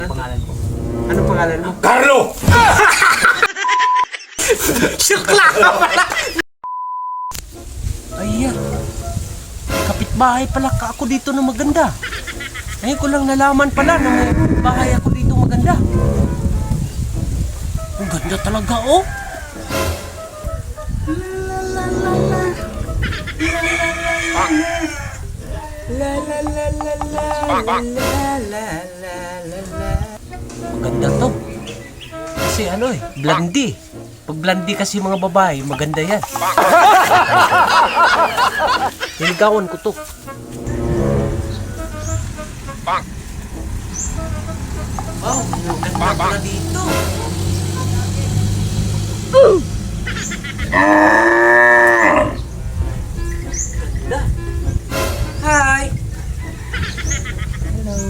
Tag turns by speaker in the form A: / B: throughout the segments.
A: Pangalan ko.
B: Anong pangalan mo?
C: Carlo!
B: Sukla ka pala! Ayan. Kapitbahay pala ka ako dito na maganda. Ngayon ko lang nalaman pala na may bahay ako dito maganda. Ang ganda talaga, oh. Maganda to. Kasi ano eh, blondie. Pag blondie kasi mga babae, maganda yan. Niligawan ko to. Wow, ang ganda pala dito. Ganda. Hi! Hello.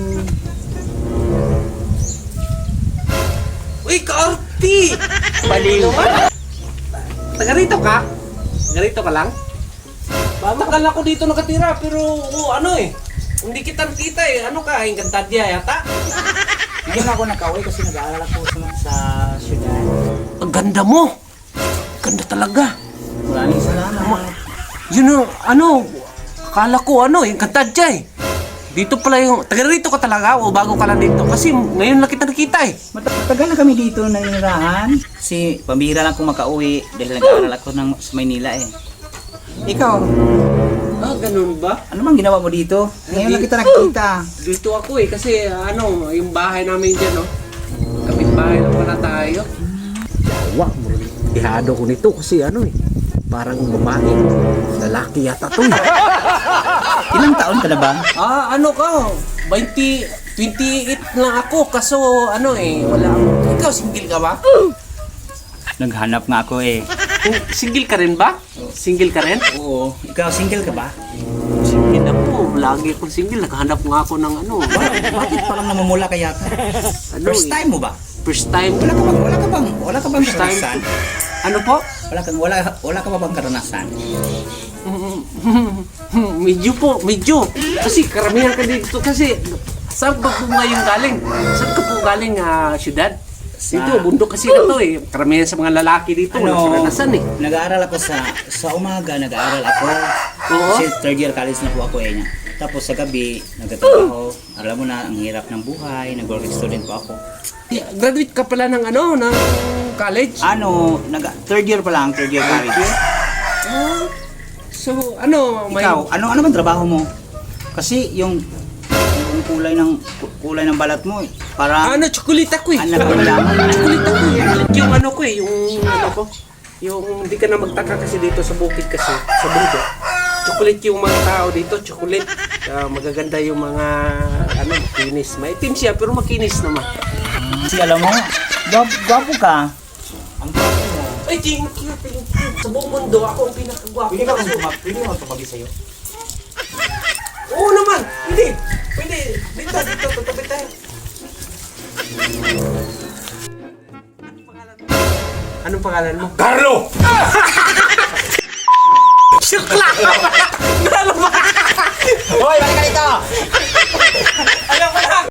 B: Uy, Kaorti! Baliw ka? Taga rito ka? Taga rito ka lang? Matagal ako dito nakatira, pero ano eh. Hindi kita nakita eh. Ano ka? Encantadia yata?
A: Ngayon ako nakauwi kasi nag-aaral ako sa syudad.
B: Ang ganda mo! Ganda talaga.
A: Maraming salamat.
B: Yun know, ano, akala ko ano, Encantadia eh. Dito pala yung, taga rito ka talaga o bago ka lang dito? Kasi ngayon lang kita nakita eh.
A: Matagal na kami dito nanirahan. Kasi pambihira lang akong makauwi dahil nag-aaral ako sa Maynila eh. Ikaw,
B: Ah, ganun ba?
A: ano bang ginawa mo dito? Ngayon lang kita nakikita.
B: Dito ako eh, kasi ano, yung bahay namin dyan, no? Kapitbahay lang pala tayo. Yawa, ihado ko nito kasi ano eh, parang babae, lalaki yata to eh.
A: Ilang taon ka na ba?
B: Ah, ano ka? 28 na ako, kaso ano eh, wala akong... Ikaw, single ka ba?
A: Naghanap nga ako eh.
B: Single ka rin ba? Single ka rin?
A: Oo. Ikaw, single ka ba?
B: Single ako, lagi akong single. Naghanap nga ako ng ano.
A: Bakit parang namumula ka yata?
B: Ano
A: First
B: eh,
A: time mo ba?
B: First time.
A: Wala ka bang
B: First time.
A: karanasan?
B: Ano po?
A: Wala ka ba bang karanasan?
B: Medyo po, medyo. Kasi karamihan ka dito. Kasi saan ba po ngayon galing? Saan ka po galing, syudad? Dito, bundok kasi na to eh. Karamihan sa mga lalaki dito, walang karanasan eh.
A: Nag-aaral ako sa umaga, nag-aaral ako.
B: Oo.
A: Kasi third year college na po ako eh. Tapos sa gabi, nagtatrabaho. Alam mo na, ang hirap ng buhay, nag-working student po ako.
B: Yeah, graduate ka pala ng ano, ng college?
A: Third year pa lang, third year college.
B: Ah, so, ano, may...
A: Ikaw, ano bang trabaho mo? Kasi yung kulay ng balat mo, para
B: Ano, tsokolita ko eh.
A: ano ba malaman?
B: Tsokolita ko eh. Yung ano ko eh, yung ano ko. Yung hindi ka na magtaka kasi dito sa bukid kasi, sa bundok. Chocolate yung mga tao dito, chocolate. Magaganda yung mga, ano, makinis. Maitim siya, pero makinis naman.
A: Kasi alam mo, gwapo ka. Ang gwapo mo.
B: Ay, thank you, thank you. Sa buong mundo, ako ang pinakagwapo.
A: Pwede mo tumabi sa'yo?
B: Oo naman, hindi. Pwede, dito, tatabi tayo. Anong pangalan mo?
C: Carlo!
B: Sukla!
A: Hoy, balik ka dito!
B: Alam ko na!